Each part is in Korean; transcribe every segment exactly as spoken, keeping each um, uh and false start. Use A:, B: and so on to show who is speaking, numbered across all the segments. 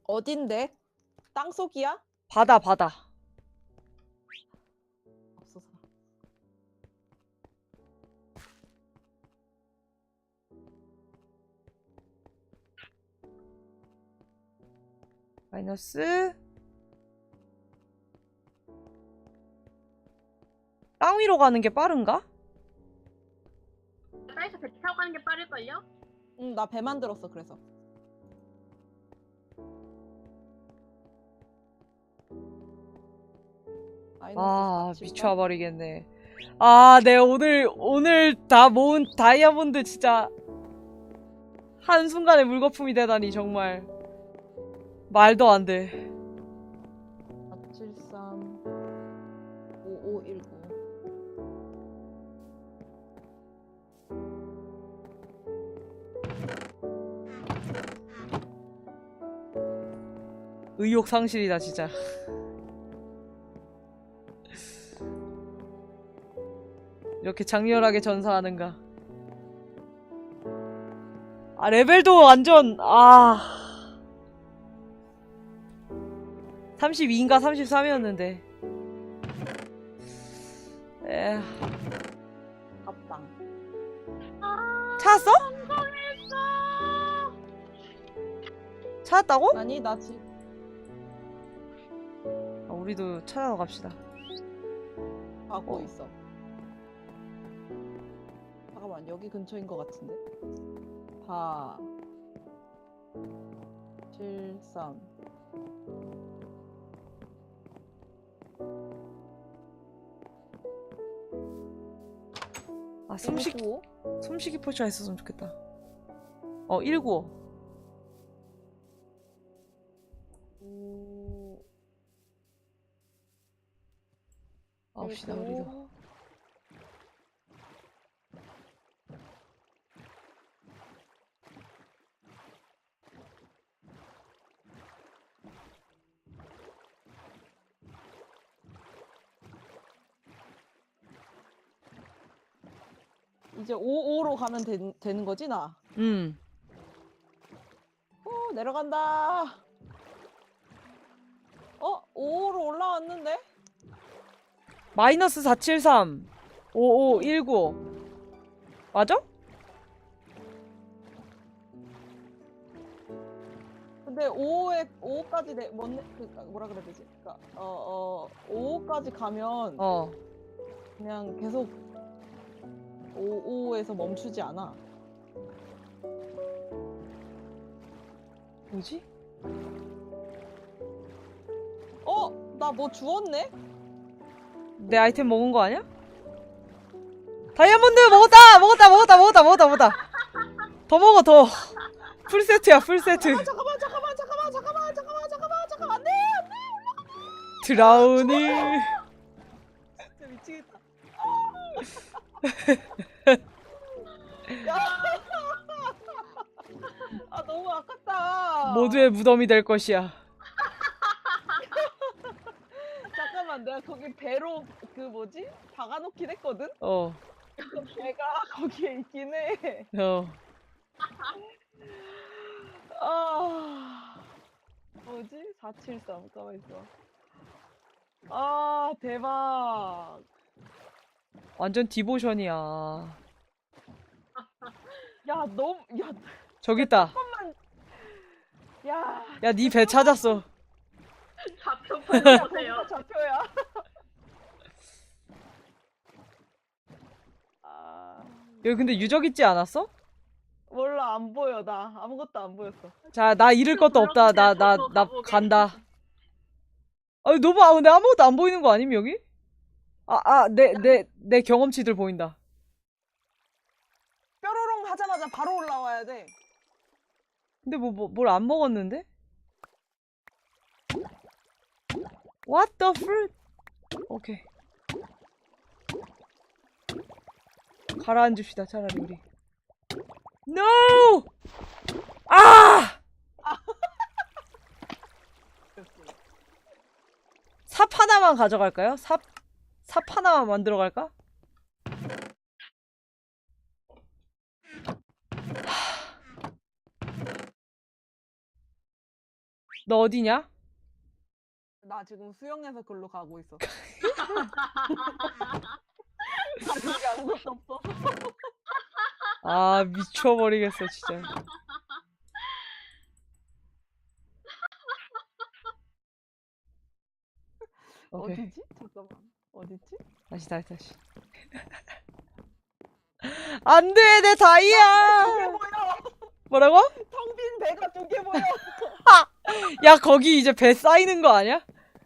A: 어딘데? 땅속이야?
B: 바다 바다.
A: 없어서.
B: 마이너스. 땅 위로 가는 게 빠른가?
C: 땅에서 배 타고 가는 게 빠를걸요?
A: 응, 나 배 만들었어, 그래서.
B: 아,
A: 마이너스
B: 미쳐버리겠네. 아, 내 오늘 오늘 다 모은 다이아몬드 진짜 한순간에 물거품이 되다니 정말 말도 안 돼.
A: 사칠삼 오오일구.
B: 의욕 상실이다 진짜. 이렇게 장렬하게 전사하는가. 아, 레벨도 완전 아 삼십이인가 삼십삼이었는데 에휴.
A: 합당.
C: 아,
B: 찾았어?
C: 성공했어!
B: 찾았다고?
A: 아니, 나 지금
B: 아, 우리도 찾아러 갑시다.
A: 가고
B: 어.
A: 있어. 잠깐만, 여기 근처인 것 같은데? 사, 칠, 삼.
B: 아, 숨쉬기
A: 일구오?
B: 숨쉬기 포션 있었으면 좋겠다. 어, 일구오.
A: 오,
B: 아홉시다
A: 일구오.
B: 우리도.
A: 이제 오오로 가면 되, 되는 거지, 나?
B: 음.
A: 오, 내려간다. 어? 오오로 올라왔는데?
B: 마이너스 사칠삼 오오일구 맞아?
A: 근데 오오에 오오까지 내 뭔 그니까 뭐라 그래야 되지? 그니까 어어 오오까지 가면
B: 어.
A: 그냥 계속 오오에서 멈추지 않아.
B: 뭐지?
A: 어? 나 뭐 주웠네?
B: 내 아이템 먹은 거 아니야? 다이아몬드 먹었다! 먹었다! 먹었다! 먹었다! 먹었다! 먹었다! 더 먹어 더! 풀세트야 풀세트.
A: 아, 잠깐만 잠깐만 잠깐만 잠깐만 잠깐만 잠깐만 잠깐만 안돼 안돼
B: 드라우니.
A: 진짜 미치겠다. 야. 아 너무 아깝다.
B: 모두의 무덤이 될 것이야.
A: 잠깐만 내가 거기 배로 그 뭐지? 박아놓긴 했거든?
B: 어.
A: 배가 거기에 있긴 해.
B: 어.
A: 아 뭐지? 사칠삼 가만있어. 아 대박.
B: 완전 디보션이야.
A: 야 너무 야
B: 저기 있다.
A: 잠깐만. 야
B: 야, 니 배 찾았어.
C: 좌표
A: 거기가
C: 보세요.
A: 좌표야. 아
B: 여기 근데 유적 있지 않았어?
A: 몰라 안 보여 나 아무것도 안 보였어.
B: 자, 나 잃을 것도 없다. 나, 나,
C: 저도
B: 나
C: 가보게.
B: 간다. 아니, 너무, 아, 근데 아무것도 안 보이는 거 아님, 여기? 아, 아, 내, 내, 내 경험치들 보인다.
A: 뾰로롱 하자마자 바로 올라와야 돼.
B: 근데 뭐, 뭐, 뭘 안 먹었는데? What the fruit? 오케이. 가라앉읍시다, 차라리 우리. No! 아! 삽 하나만 가져갈까요? 삽, 삽 하나만 만들어 갈까? 너 어디냐?
A: 나 지금 수영해서 글로 가고 있어. 가족이 아무것도 없어.
B: 아, 미쳐버리겠어, 진짜. 오케이.
A: 어디지? 잠깐만. 어디지?
B: 다시, 다시, 다시. 안 돼, 내 다이아!
A: 두개 보여.
B: 뭐라고?
A: 텅 빈 배가 두 개 보여.
B: 야, 거기 이제 배 쌓이는 거 아니야?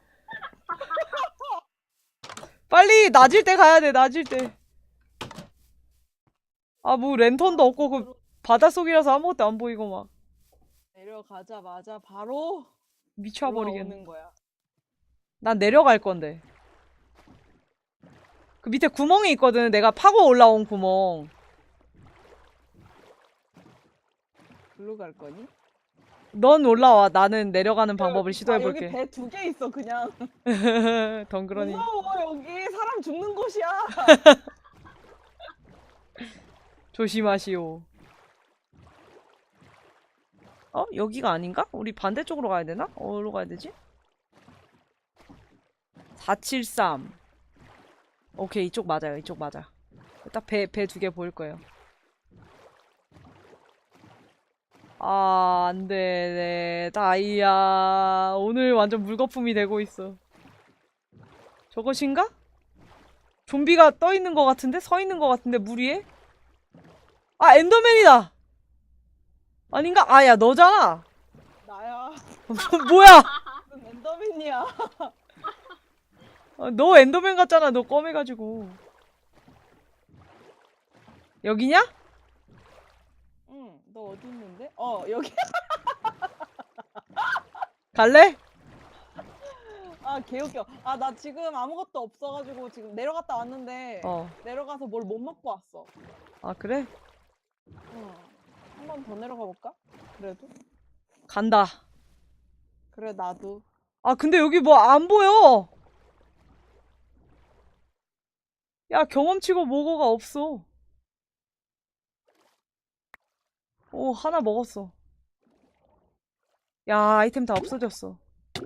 B: 빨리, 낮일 때 가야 돼, 낮일 때. 아, 뭐, 랜턴도 없고, 그, 바닷속이라서 아무것도 안 보이고, 막.
A: 내려가자마자 바로
B: 미쳐버리겠네.
A: 올라오는 거야.
B: 난 내려갈 건데. 그 밑에 구멍이 있거든. 내가 파고 올라온 구멍.
A: 글로 갈 거니?
B: 넌 올라와. 나는 내려가는 방법을
A: 아,
B: 시도해볼게.
A: 여기 배 두 개 있어 그냥.
B: 덩그러니.
A: 무서워 여기 사람 죽는 곳이야.
B: 조심하시오. 어? 여기가 아닌가? 우리 반대쪽으로 가야 되나? 어디로 가야 되지? 사칠삼. 오케이, 이쪽 맞아요. 이쪽 맞아. 딱 배, 배 두 개 보일 거예요. 아, 안 돼. 네, 다이아. 오늘 완전 물거품이 되고 있어. 저것인가? 좀비가 떠 있는 것 같은데? 서 있는 것 같은데, 물 위에? 아, 엔더맨이다! 아닌가? 아, 야, 너잖아!
A: 나야.
B: 뭐야!
A: 무슨 엔더맨이야.
B: 아, 너 엔더맨 같잖아. 너 껌해가지고. 여기냐?
A: 응. 너 어디 있는데? 어 여기.
B: 갈래?
A: 아 개웃겨. 아 나 지금 아무것도 없어가지고 지금 내려갔다 왔는데
B: 어.
A: 내려가서 뭘 못 먹고 왔어.
B: 아, 그래?
A: 응. 한 번 더 내려가 볼까? 그래도?
B: 간다.
A: 그래 나도.
B: 아, 근데 여기 뭐 안 보여! 야, 경험치고 뭐고가 없어. 오, 하나 먹었어. 야, 아이템 다 없어졌어.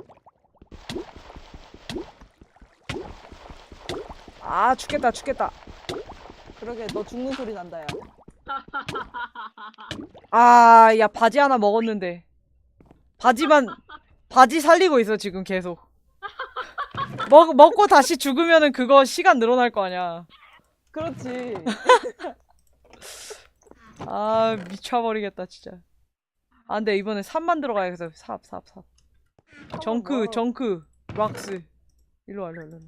B: 아, 죽겠다, 죽겠다.
A: 그러게 너 죽는 소리 난다 야.
B: 아, 야, 바지 하나 먹었는데. 바지만, 바지 살리고 있어, 지금 계속. 먹, 먹고 다시 죽으면은 그거 시간 늘어날 거 아니야.
A: 그렇지.
B: 아, 미쳐버리겠다, 진짜. 아, 근데 이번에 삽 만들어 가야겠어. 삽, 삽, 삽. 정크,
A: 뭐.
B: 정크, 락스. 일로 와, 일로 와, 일로 와.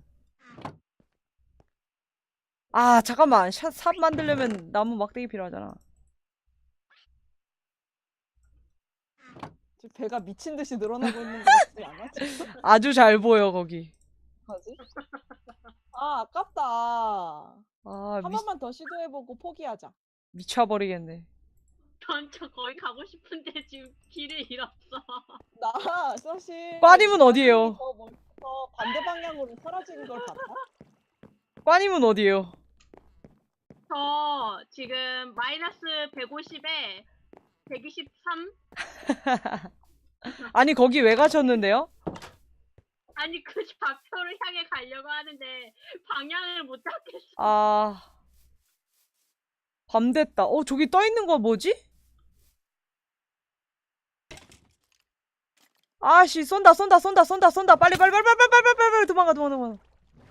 B: 아, 잠깐만. 샷, 삽 만들려면 나무 막대기 필요하잖아.
A: 지금 배가 미친 듯이 늘어나고 있는 거 같지 않아? 지금?
B: 아주 잘 보여, 거기.
A: 뭐지? 아 아깝다.
B: 아,
A: 한
B: 미,
A: 번만 더 시도해보고 포기하자.
B: 미쳐버리겠네.
C: 전 저 거기 가고 싶은데 지금 길을 잃었어.
A: 나 사실
B: 꽈님은 어디에요?
A: 더 멀리서 반대 방향으로 사라지는 걸 봤다.
B: 꽈님은 어디에요?
C: 저 지금 마이너스 백오십에 백이십삼?
B: 아니, 거기 왜 가셨는데요?
C: 아니 그 좌표를 향해 가려고 하는데 방향을 못 잡겠어.
B: 아, 밤 됐다. 어, 저기 떠 있는 거 뭐지? 아씨, 쏜다, 쏜다, 쏜다, 쏜다, 쏜다. 빨리, 빨리, 빨리, 빨리, 빨리, 빨리, 빨리, 빨리, 도망가, 도망가, 도망가.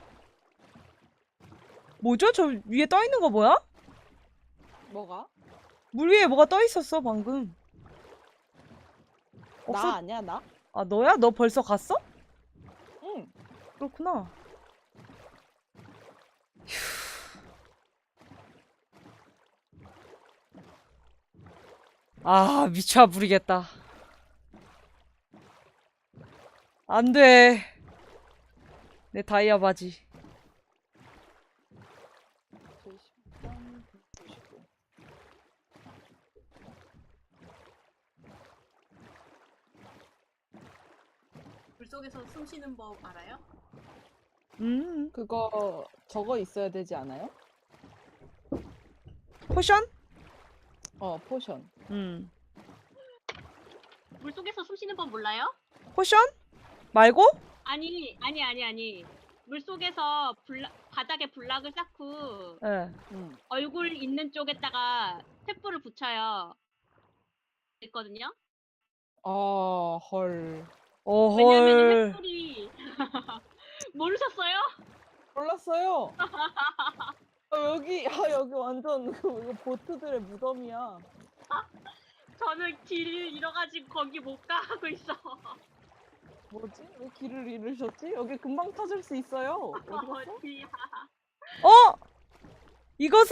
B: 뭐죠? 저 위에 떠 있는 거 뭐야?
A: 뭐가?
B: 물 위에 뭐가 떠 있었어, 방금. 없어?
A: 나 아니야 나?
B: 아, 너야? 너 벌써 갔어?
A: 응.
B: 그렇구나. 아, 미쳐부리겠다. 안 돼. 내 다이아 바지.
A: 칠십삼, 백구십오.
C: 물속에서 숨 쉬는 법 알아요?
B: 음,
A: 그거 저거 있어야 되지 않아요?
B: 포션?
A: 어 포션.
B: 음.
C: 물속에서 숨 쉬는 법 몰라요?
B: 포션? 말고?
C: 아니 아니 아니 아니 물 속에서 불라, 바닥에 불락을 쌓고
B: 예.
A: 응.
C: 얼굴 있는 쪽에다가 횃불을 붙여요. 있거든요.
A: 아, 헐.
B: 어,
C: 왜냐면
B: 헐.
C: 횃불이 모르셨어요?
A: 몰랐어요. 아, 여기, 아, 여기 완전 그 이거 보트들의 무덤이야.
C: 저는 길을 잃어가지고 거기 못 가고 있어.
A: 뭐지? 왜 길을 잃으셨지? 여기 금방 찾을 수 있어요. 어디 갔어?
C: 어디야?
B: 어? 이것은?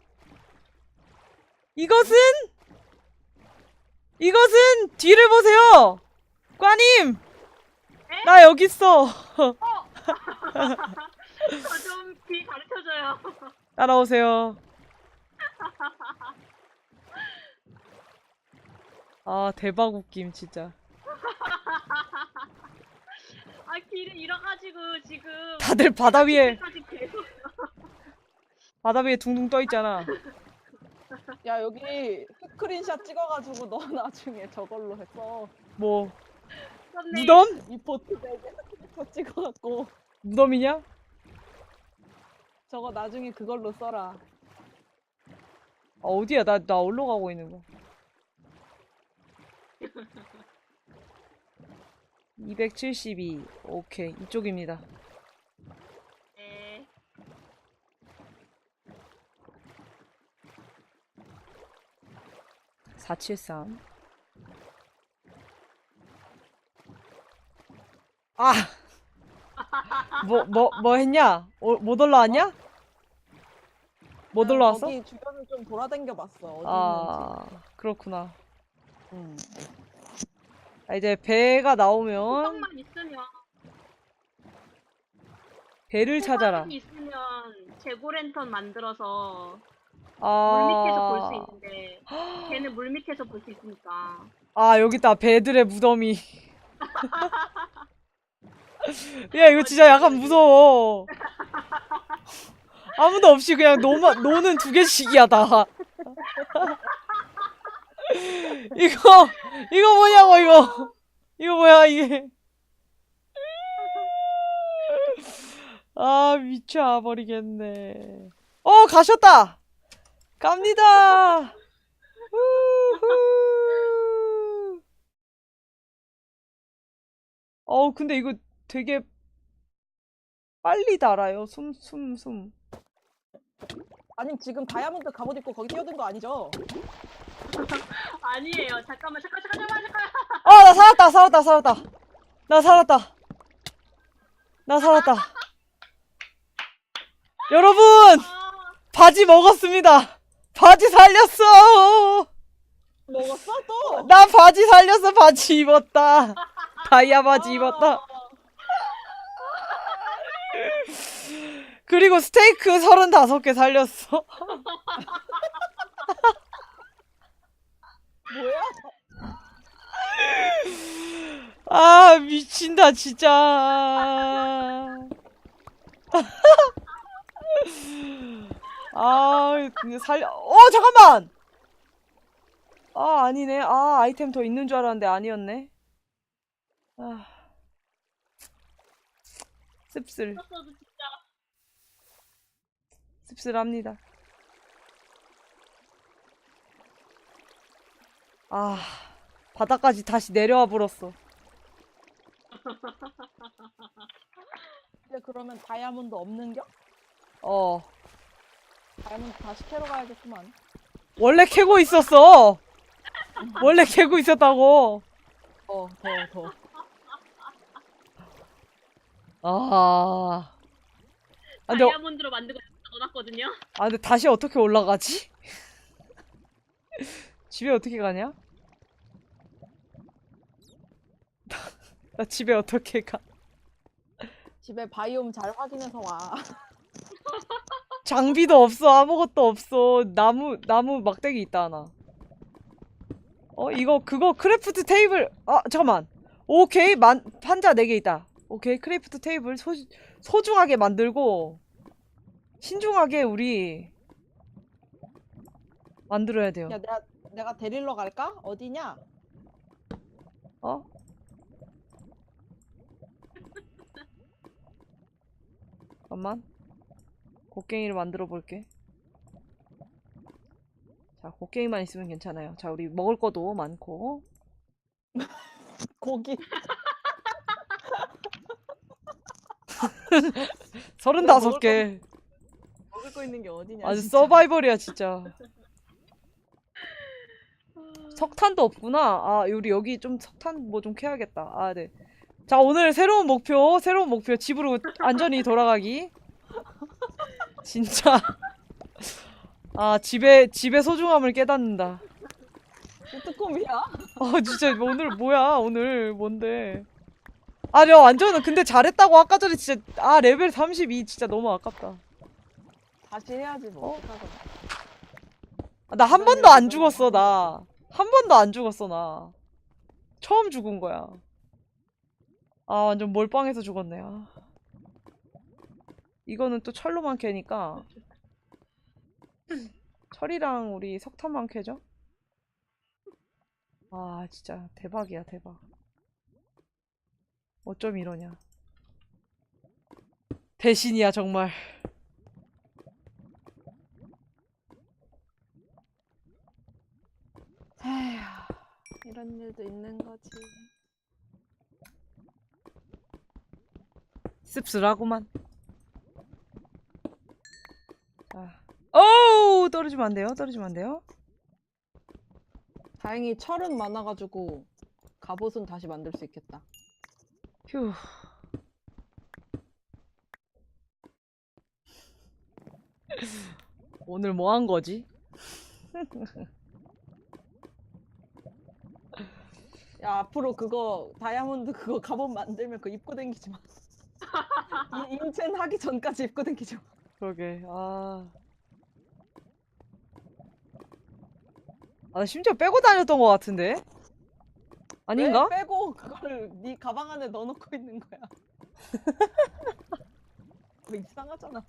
B: 이것은? 이것은 뒤를 보세요! 꽈님!
C: 에?
B: 나 여기 있어.
C: 저 좀 길 가르쳐줘요.
B: 따라오세요. 아, 대박 웃김, 진짜.
C: 아 길을 잃어가지고 지금
B: 다들 바다 위에,
C: 까지 계속
B: 바다 위에 둥둥 떠 있잖아.
A: 야, 여기 스크린샷 찍어가지고 너 나중에 저걸로 했어.
B: 뭐,
C: 썼네.
B: 무덤?
A: 이 보트 되게 스크린샷 찍어갖고
B: 무덤이냐? 아,
A: 저거 나중에 그걸로 써라.
B: 어디야? 나, 나 어디로 가고 있는 거야? 이백칠십이. 오케이, 이쪽입니다.
C: 네.
B: 사칠삼. 아! 뭐, 뭐, 뭐 했냐? 어, 못 올라왔냐? 못
A: 나는
B: 올라왔어?
A: 거기 주변을 좀 돌아다녀 봤어. 어디 있는지.
B: 아, 그렇구나.
A: 응.
B: 아, 이제 배가 나오면
C: 호박만 있으면
B: 배를 찾아라.
C: 호박이 있으면 재고 랜턴 만들어서
B: 아,
C: 물 밑에서 볼 수 있는데 걔는 물 밑에서 볼 수 있으니까.
B: 아, 여기 있다. 배들의 무덤이. 야, 이거 진짜 약간 무서워. 아무도 없이 그냥 노마, 노는 두 개씩이야, 다. 이거, 이거 뭐냐고, 이거. 이거 뭐야, 이게. 아, 미쳐버리겠네. 어, 가셨다! 갑니다! 우후. 어, 근데 이거 되게 빨리 달아요. 숨, 숨, 숨.
A: 아니 지금 다이아몬드 갑옷 입고 거기 뛰어든 거 아니죠?
C: 아니에요. 잠깐만 잠깐 잠깐 잠깐 잠깐.
B: 아, 나 살았다, 살았다, 살았다. 나 살았다. 나 살았다. 여러분!
C: 아,
B: 바지 먹었습니다. 바지 살렸어!
A: 먹었어 또?
B: 나 바지 살렸어. 바지 입었다. 다이아 바지
A: 아,
B: 입었다. 그리고 스테이크 서른다섯 개 살렸어.
A: 뭐야?
B: 아, 미친다, 진짜. 아, 근데 살려. 어, 잠깐만! 아, 아니네. 아, 아이템 더 있는 줄 알았는데 아니었네. 아. 씁쓸.
C: 썼어도 진짜.
B: 씁쓸합니다. 아, 바닥까지 다시 내려와 버렸어.
A: 이제 그러면 다이아몬드 없는겨?
B: 어.
A: 다이아몬드 다시 캐러 가야겠구만.
B: 원래 캐고 있었어. 원래 캐고 있었다고.
A: 더, 더, 더.
B: 아. 아, 근데,
C: 다이아몬드로 만들고 넣어놨거든요.
B: 아, 근데 다시 어떻게 올라가지? 집에 어떻게 가냐? 나 집에 어떻게 가?
A: 집에 바이옴 잘 확인해서 와.
B: 장비도 없어. 아무것도 없어. 나무, 나무 막대기 있다, 하나. 어, 이거, 그거, 크래프트 테이블. 아, 잠깐만. 오케이. 만, 판자 네 개 있다. 오케이. 크래프트 테이블 소, 소중하게 만들고, 신중하게 우리, 만들어야 돼요.
A: 야, 내가 내가 데리러 갈까? 어디냐?
B: 어? 잠깐만. 곡괭이를 만들어 볼게. 자, 곡괭이만 있으면 괜찮아요. 자, 우리 먹을 것도 많고.
A: 고기.
B: 서른다섯 개.
A: 먹을 거 있는 게 어디냐.
B: 아주
A: 진짜.
B: 서바이벌이야, 진짜. 석탄도 없구나. 아, 우리 여기 좀 석탄 뭐 좀 캐야겠다. 아, 네. 자, 오늘 새로운 목표, 새로운 목표. 집으로 안전히 돌아가기. 진짜. 아, 집의, 집의 소중함을 깨닫는다.
A: 스트콤이야?
B: 아, 진짜 오늘 뭐야, 오늘 뭔데. 아, 저 완전 근데 잘했다고 아까 전에 진짜 아, 레벨 삼십이 진짜 너무 아깝다.
A: 다시 해야지 뭐.
B: 어?
A: 어떡하겠어.
B: 아, 나 한 번도 안 죽었어, 나. 한 번도 안 죽었어, 나. 처음 죽은 거야. 아, 완전 몰빵해서 죽었네. 아. 이거는 또 철로만 캐니까 철이랑 우리 석탄만 캐죠? 아, 진짜 대박이야, 대박. 어쩜 이러냐. 대신이야, 정말.
A: 에휴, 이런 일도 있는 거지.
B: 씁쓸하구만. 자. 어우, 떨어지면 안 돼요, 떨어지면 안 돼요.
A: 다행히 철은 많아가지고 갑옷은 다시 만들 수 있겠다.
B: 휴. 오늘 뭐 한 거지?
A: 야, 앞으로 그거 다이아몬드 그거 갑옷 만들면 그거 입고 다니지 마. 이- 인챈 하기 전까지 입고 다니지 마.
B: 그러게. 아. 아, 심지어 빼고 다녔던 것 같은데? 아닌가?
A: 왜 빼고 그거를 네 가방 안에 넣어놓고 있는 거야. 그거 이상하잖아.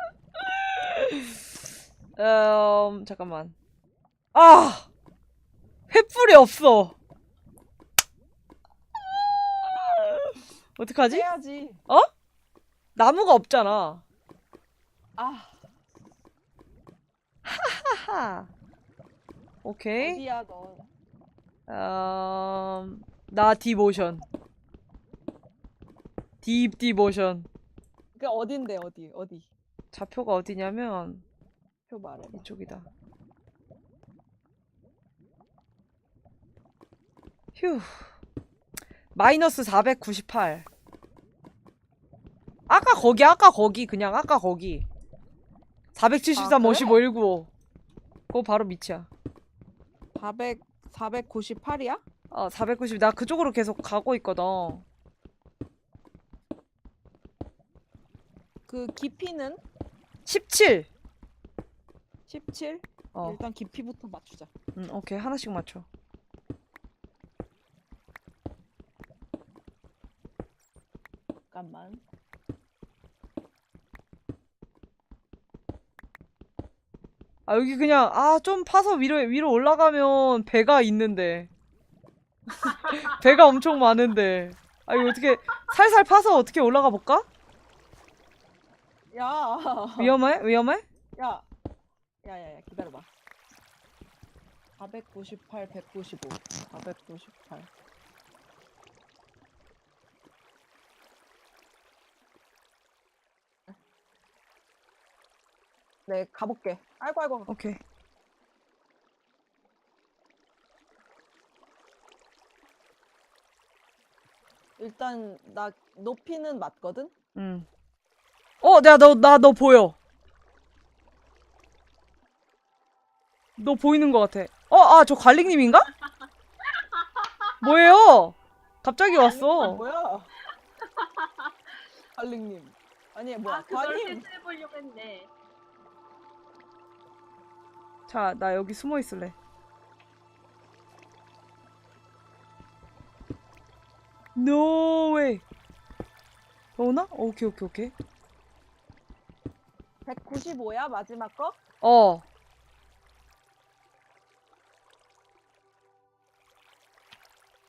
B: 음, 잠깐만. 아! 횃불이 없어. 어떡하지?
A: 빼야지.
B: 나무가 없잖아.
A: 아,
B: 하하. 오케이.
A: 어디야 너?
B: 음, 나 디모션. 딥 디모션.
A: 그 어딘데 어디 어디?
B: 좌표가 어디냐면
A: 표 말해봐.
B: 이쪽이다. 휴. 마이너스 사백구십팔. 아까 거기, 아까 거기, 그냥 아까 거기. 사백칠십삼,
A: 아, 그래?
B: 오십오, 일구오. 그거 바로 밑이야.
A: 사백 사백구십팔이야?
B: 어, 사백구십. 나 그쪽으로 계속 가고 있거든.
A: 그 깊이는
B: 십칠.
A: 십칠?
B: 어,
A: 일단 깊이부터 맞추자.
B: 음, 오케이. 하나씩 맞춰.
A: 잠깐만.
B: 아, 여기 그냥, 아, 좀 파서 위로, 위로 올라가면 배가 있는데. 배가 엄청 많은데. 아, 이거 어떻게, 살살 파서 어떻게 올라가 볼까?
A: 야,
B: 위험해? 위험해?
A: 야, 야야야 기다려봐. 사백구십팔, 백구십오, 사백구십팔. 네, 가볼게. 아이고 아이고.
B: 오케이.
A: 일단 나 높이는 맞거든.
B: 응. 어, 내가 너, 나 너 보여. 너 보이는 것 같아. 어, 아, 저 관리님인가? 뭐예요? 갑자기 왔어.
A: 뭐야? 갈릭님. 아니 뭐야?
C: 아 그걸
A: 관임.
C: 테스트해보려고 했네.
B: 자, 나 여기 숨어 있을래. No way. 오나? 오케이, 오케이, 오케이.
A: 백구십오야 마지막 거?
B: 어.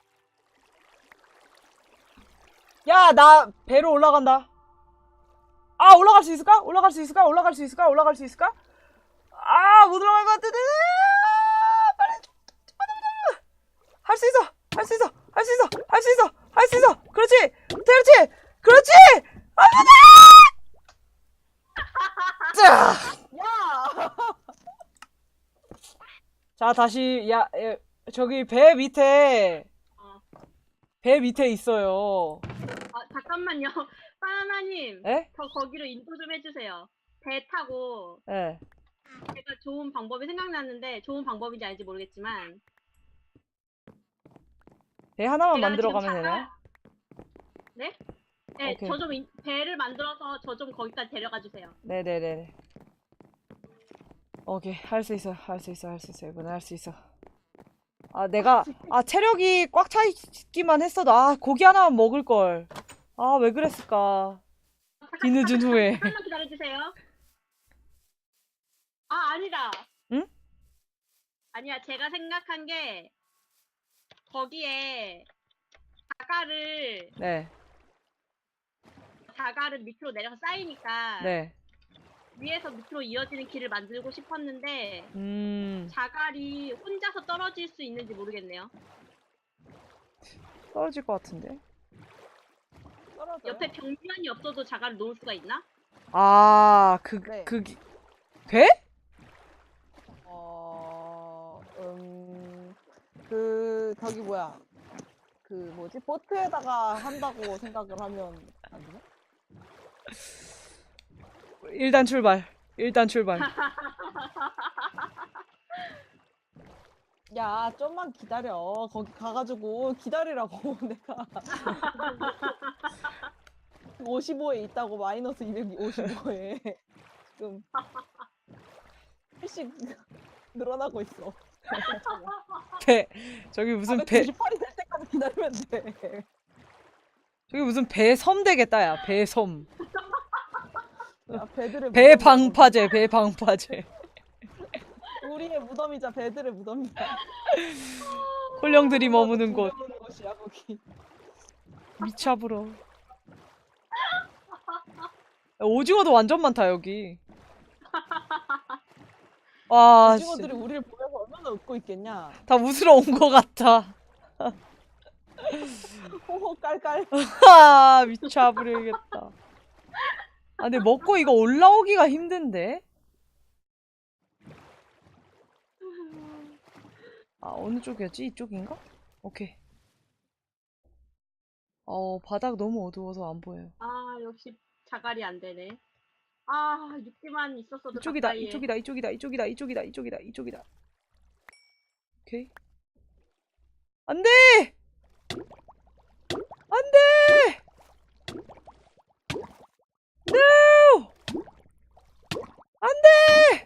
B: 야, 나 배로 올라간다. 아, 올라갈 수 있을까? 올라갈 수 있을까? 올라갈 수 있을까? 올라갈 수 있을까? 아, 못 올라갈 것 같은데. 아, 빨리. 할 수 있어. 할 수 있어. 할 수 있어. 할 수 있어. 할 수 있어. 그렇지. 그렇지. 그렇지. 안 돼. 자.
A: 야!
B: 자, 다시 야, 에, 저기 배 밑에
C: 어.
B: 배 밑에 있어요.
C: 아, 잠깐만요. 바나나님,
B: 에?
C: 저 거기로 인도 좀 해주세요. 배 타고
B: 예.
C: 제가 좋은 방법이 생각났는데 좋은 방법인지 알지 모르겠지만
B: 배 하나만
C: 제가
B: 만들어
C: 지금
B: 가면
C: 잠깐-
B: 되나요?
C: 네? 네,
B: 오케이.
C: 저 좀 배를 만들어서 저 좀 거기까지 데려가 주세요.
B: 네네네. 오케이, 할 수 있어, 할 수 있어, 할 수 있어. 이번엔 할 수 있어. 아, 내가 아 체력이 꽉 차 있기만 했어도 아 고기 하나만 먹을 걸. 아, 왜 그랬을까? 뒤늦은 후에.
C: 잠깐만 기다려주세요. 아, 아니다.
B: 응?
C: 아니야, 제가 생각한 게 거기에 자갈을
B: 네,
C: 자갈은 밑으로 내려서 쌓이니까
B: 네.
C: 위에서 밑으로 이어지는 길을 만들고 싶었는데
B: 음,
C: 자갈이 혼자서 떨어질 수 있는지 모르겠네요.
B: 떨어질 것 같은데.
A: 떨어져요?
C: 옆에 벽면이 없어도 자갈을 놓을 수가 있나?
B: 아, 그,
A: 네.
B: 그, 기- 돼?
A: 어, 음, 그, 저기 뭐야. 그 뭐지? 보트에다가 한다고 생각을 하면 안 되나?
B: 일단 출발. 일단 출발.
A: 야, 좀만 기다려. 거기 가가지고 기다리라고 내가. 오십오에 있다고 마이너스 이백오십오에 지금 일씩 늘어나고 있어.
B: 배, 저기 무슨 배,
A: 사백구십팔이 될 때까지 기다리면 돼.
B: 저기 무슨 배섬 되겠다, 야. 배섬.
A: 야, 배들의
B: 배방파제, 배방파제.
A: 무덤이야. 우리의 무덤이자 배들의 무덤이야.
B: 홀령들이 머무는 곳.
A: 머무는 곳이야 거기.
B: 미쳐불어. 오징어도 완전 많다, 여기. 와,
A: 오징어들이 우리를 보면서 얼마나 웃고 있겠냐.
B: 다 웃으러 온 것 같아.
A: 호호 깔깔.
B: 아, 미쳐버리겠다. 아, 근데 먹고 이거 올라오기가 힘든데? 아, 어느 쪽이었지? 이쪽인가? 오케이. 어, 바닥 너무 어두워서 안 보여요.
C: 아, 역시 자갈이 안 되네. 아, 육지만 있었어도
B: 이쪽이다,
C: 가까이에.
B: 이쪽이다, 이쪽이다, 이쪽이다, 이쪽이다, 이쪽이다, 이쪽이다. 오케이. 안 돼! 안 돼! No! 안 돼!